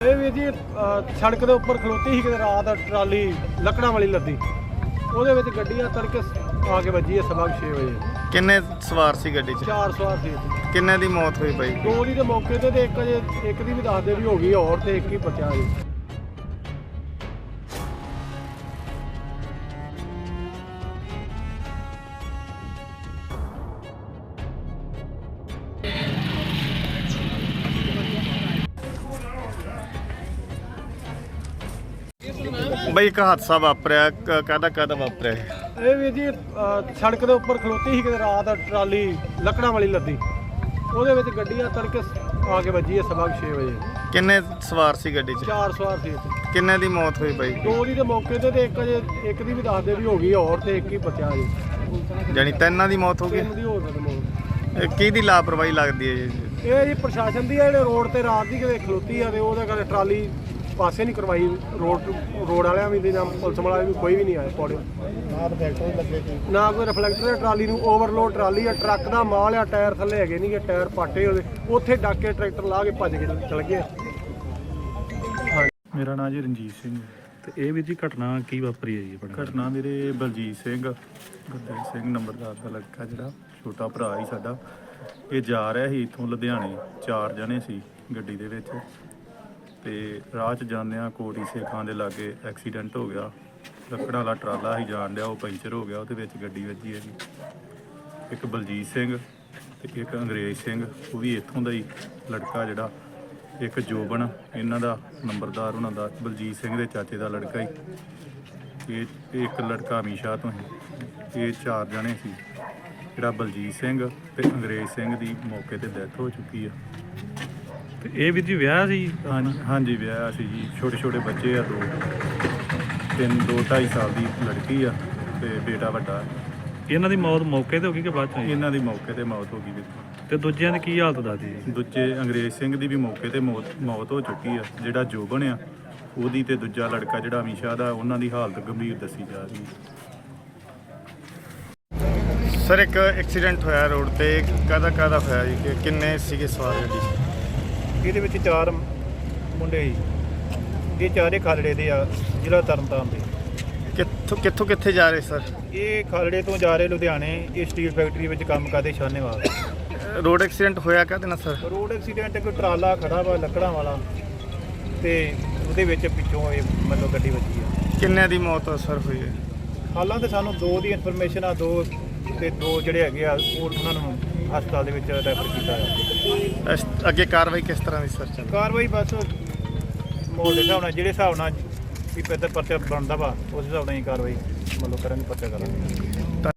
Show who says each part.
Speaker 1: ਇਹ ਵੀ ਜੀ ਸੜਕ ਦੇ ਉੱਪਰ ਖਲੋਤੀ ਸੀ ਕਿਤੇ ਰਾਤ ਟਰਾਲੀ ਲੱਕੜਾਂ ਵਾਲੀ ਲੱਦੀ, ਉਹਦੇ ਵਿੱਚ ਗੱਡੀ ਆ ਤੜਕੇ ਆ ਕੇ ਵੱਜੀ ਹੈ ਸਵਾ 6 ਵਜੇ।
Speaker 2: ਕਿੰਨੇ ਸਵਾਰ ਸੀ ਗੱਡੀ 'ਚ?
Speaker 1: 4 ਸਵਾਰ ਸੀ।
Speaker 2: ਕਿੰਨੇ ਦੀ ਮੌਤ ਹੋਈ ਬਾਈ?
Speaker 1: 2 ਦੀ ਤੇ ਮੌਕੇ ਤੇ ਇੱਕ ਦੀ ਵੀ ਦੱਸਦੇ ਵੀ ਹੋ ਗਈ ਹੋਰ, ਤੇ ਇੱਕ ਹੀ ਬਚਿਆ ਜੀ।
Speaker 2: ਬਾਈ ਇੱਕ ਹਾਦਸਾ ਵਾਪਰਿਆ, ਕਾਹਦਾ ਵਾਪਰਿਆ?
Speaker 1: ਇਹ ਵੀ ਜੀ ਸੜਕ ਦੇ ਉੱਪਰ ਖਲੋਤੀ ਸੀ ਕਿਤੇ ਰਾਤ ਟਰਾਲੀ ਲੱਕੜਾਂ ਵਾਲੀ ਲੱਦੀ, ਉਹਦੇ ਵਿੱਚ ਗੱਡੀ ਆ ਤੜਕੇ ਆ ਕੇ ਵੱਜੀ ਹੈ ਸਵਾ 6 ਵਜੇ।
Speaker 2: ਕਿੰਨੇ ਸਵਾਰ ਸੀ ਗੱਡੀ 'ਚ?
Speaker 1: 4 ਸਵਾਰ ਸੀ।
Speaker 2: ਕਿੰਨੇ ਦੀ ਮੌਤ ਹੋਈ ਬਾਈ?
Speaker 1: 2 ਦੀ ਤੇ ਮੌਕੇ ਤੇ ਇੱਕ ਦੀ ਵੀ ਦੱਸਦੇ ਵੀ ਹੋ ਗਈ ਹੋਰ, ਤੇ ਇੱਕ ਹੀ ਬਚਿਆ ਜੀ।
Speaker 2: ਜਾਣੀ ਤਿੰਨਾਂ ਦੀ ਮੌਤ ਹੋ ਗਈ।
Speaker 1: 3 ਦੀ ਹੋ ਸਕਦੀ।
Speaker 2: ਇਹ ਕਿਹਦੀ ਲਾਪਰਵਾਹੀ ਲੱਗਦੀ ਹੈ ਜੀ?
Speaker 1: ਇਹ ਜੀ ਪ੍ਰਸ਼ਾਸਨ ਦੀ ਆ, ਜਿਹੜੇ ਰੋਡ ਤੇ ਰਾਤ ਦੀ ਕਿਤੇ ਖਲੋਤੀ ਆ ਤੇ ਉਹਦੇ ਕਰਕੇ ਟਰਾਲੀ ਪਾਸੇ ਨਹੀਂ ਕਰਵਾਈ। ਰੋਡ ਵਾਲਿਆਂ ਵੀ ਤੇ ਜਾਂ ਪੁਲਿਸ ਵਾਲਿਆਂ ਵੀ ਕੋਈ ਵੀ ਨਹੀਂ ਆਇਆ ਪੌੜੇ ਨਾ ਕੋਈ ਰਿਫਲੈਕਟਰ। ਟਰਾਲੀ ਨੂੰ ਓਵਰਲੋਡ ਟਰਾਲੀ ਆ, ਟਰੱਕ ਦਾ ਮਾਲ ਆ, ਟਾਇਰ ਥੱਲੇ ਹੈਗੇ ਨਹੀਂ, ਟਾਇਰ ਪਾਟੇ ਉਹਦੇ, ਉੱਥੇ ਡੱਕ ਕੇ ਟਰੈਕਟਰ ਲਾ ਕੇ ਭੱਜ ਕੇ ਚਲ ਗਏ।
Speaker 3: ਮੇਰਾ ਨਾਮ ਜੀ ਰਣਜੀਤ ਸਿੰਘ।
Speaker 4: ਤੇ ਇਹ ਵੀ ਜੀ ਘਟਨਾ ਕੀ ਵਾਪਰੀ ਹੈ ਜੀ ਆਪਣਾ?
Speaker 3: ਘਟਨਾ ਮੇਰੇ ਬਲਜੀਤ ਸਿੰਘ ਗੁਰਦੇਵ ਸਿੰਘ ਨੰਬਰਦਾਰ ਦਾ ਲੜਕਾ, ਜਿਹੜਾ ਛੋਟਾ ਭਰਾ ਹੀ ਸਾਡਾ। ਇਹ ਜਾ ਰਿਹਾ ਸੀ ਇੱਥੋਂ ਲੁਧਿਆਣੇ, 4 ਜਣੇ ਸੀ ਗੱਡੀ ਦੇ ਵਿੱਚ, ਤੇ ਰਾਹ 'ਚ ਜਾਂਦਿਆਂ ਕੋਟੀ ਸੇਖਾਂ ਦੇ ਲਾਗੇ ਐਕਸੀਡੈਂਟ ਹੋ ਗਿਆ। ਲੱਕੜਾਂ ਵਾਲਾ ਟਰਾਲਾ ਸੀ ਜਾਣ ਡਿਆ, ਉਹ ਪੈਂਚਰ ਹੋ ਗਿਆ, ਉਹਦੇ ਵਿੱਚ ਗੱਡੀ ਵੱਜੀ ਹੈ ਜੀ। ਇੱਕ ਬਲਜੀਤ ਸਿੰਘ ਤੇ ਇੱਕ ਅੰਗਰੇਜ਼ ਸਿੰਘ, ਉਹ ਵੀ ਇੱਥੋਂ ਦਾ ਹੀ ਲੜਕਾ ਜਿਹੜਾ। ਇੱਕ ਜੋਬਨ ਇਹਨਾਂ ਦਾ ਨੰਬਰਦਾਰ, ਉਹਨਾਂ ਦਾ ਬਲਜੀਤ ਸਿੰਘ ਦੇ ਚਾਚੇ ਦਾ ਲੜਕਾ ਹੀ। ਇਹ ਇੱਕ ਲੜਕਾ ਅਮੀਸ਼ਾ ਤੋਂ ਹੀ। ਇਹ 4 ਜਣੇ ਸੀ। ਜਿਹੜਾ ਬਲਜੀਤ ਸਿੰਘ ਤੇ ਅੰਗਰੇਜ਼ ਸਿੰਘ ਦੀ ਮੌਕੇ ਤੇ ਡੈਥ ਹੋ ਚੁੱਕੀ ਆ।
Speaker 4: ਤੇ ਇਹ ਵੀ ਜੀ ਵਿਆਹ ਸੀ?
Speaker 3: ਹਾਂਜੀ ਵਿਆਹ ਸੀ ਜੀ। ਛੋਟੇ ਛੋਟੇ ਬੱਚੇ ਆ, 2-2.5 ਸਾਲ ਦੀ ਲੜਕੀ ਆ ਤੇ ਬੇਟਾ ਵੱਡਾ।
Speaker 4: ਇਹਨਾਂ ਦੀ ਮੌਤ ਮੌਕੇ ਤੇ ਹੋ ਗਈ ਕਿ ਬਾਅਦ 'ਚ ਹੋਈ?
Speaker 3: ਇਹਨਾਂ ਦੀ ਮੌਕੇ ਤੇ ਮੌਤ ਹੋ ਗਈ ਵੀ।
Speaker 4: ਤੇ ਦੂਜਿਆਂ ਦੀ ਕੀ ਹਾਲਤ ਦੱਸਦੀ ਜੀ?
Speaker 3: ਦੂਜੇ ਅੰਗਰੇਜ਼ ਸਿੰਘ ਦੀ ਵੀ ਮੌਕੇ ਤੇ ਮੌਤ ਹੋ ਚੁੱਕੀ ਆ। ਜਿਹੜਾ ਜੋਬਨ ਆ ਉਹਦੀ, ਤੇ ਦੂਜਾ ਲੜਕਾ ਜਿਹੜਾ ਅਮੀਸ਼ਾ ਦਾ, ਉਹਨਾਂ ਦੀ ਹਾਲਤ ਗੰਭੀਰ ਦੱਸੀ ਜਾ ਰਹੀ ਹੈ।
Speaker 2: ਸਰ ਇੱਕ ਐਕਸੀਡੈਂਟ ਹੋਇਆ ਰੋਡ ਤੇ, ਕਾਹਦਾ ਹੋਇਆ ਜੀ? ਕਿ ਕਿੰਨੇ ਸੀਗੇ ਸਵਾਰ ਗੱਡੀ 'ਚ?
Speaker 5: ਇਹਦੇ ਵਿੱਚ 4 ਮੁੰਡੇ ਸੀ। ਇਹ ਚਾਰੇ ਖਾਲੜੇ ਦੇ ਆ, ਜ਼ਿਲ੍ਹਾ ਤਰਨਤਾਰਨ ਦੇ।
Speaker 2: ਕਿੱਥੇ ਜਾ ਰਹੇ ਸਰ?
Speaker 5: ਇਹ ਖਾਲੜੇ ਤੋਂ ਜਾ ਰਹੇ ਲੁਧਿਆਣੇ। ਇਹ ਸਟੀਲ ਫੈਕਟਰੀ ਵਿੱਚ ਕੰਮ ਕਰਦੇ ਸ਼ਾਨੇਵਾਲ।
Speaker 2: ਰੋਡ ਐਕਸੀਡੈਂਟ ਹੋਇਆ ਕਾਹਦੇ ਨਾਲ ਸਰ?
Speaker 5: ਰੋਡ ਐਕਸੀਡੈਂਟ, ਇੱਕ ਟਰਾਲਾ ਖੜਾ ਵਾ ਲੱਕੜਾਂ ਵਾਲਾ, ਤੇ ਉਹਦੇ ਵਿੱਚ ਪਿੱਛੋਂ ਇਹ ਮਤਲਬ ਗੱਡੀ ਵੱਜੀ ਆ।
Speaker 2: ਕਿੰਨੇ ਦੀ ਮੌਤ ਸਰ ਹੋਈ ਹੈ?
Speaker 5: ਹਾਲਾਂ ਤੇ ਸਾਨੂੰ 2 ਦੀ ਇਨਫੋਰਮੇਸ਼ਨ ਆ, 2 ਜਿਹੜੇ ਹੈਗੇ ਆ ਉਹ ਉਹਨਾਂ ਨੂੰ ਹਸਪਤਾਲ ਦੇ ਵਿੱਚ ਰੈਫਰ ਕੀਤਾ ਆ।
Speaker 2: ਅੱਗੇ ਕਾਰਵਾਈ ਕਿਸ ਤਰ੍ਹਾਂ ਦੀ ਸਰ ਚੱਲ?
Speaker 5: ਕਾਰਵਾਈ ਬਸ ਮਾਹੌਲ ਦੇ ਹਿਸਾਬ ਨਾਲ, ਜਿਹੜੇ ਹਿਸਾਬ ਨਾਲ ਵੀ ਪਰਚਾ ਬਣਦਾ ਵਾ, ਉਸ ਹਿਸਾਬ ਨਾਲ ਹੀ ਕਾਰਵਾਈ ਮਤਲਬ ਕਰਾਂਗੇ, ਪਰਚਾ ਕਰਾਂਗੇ।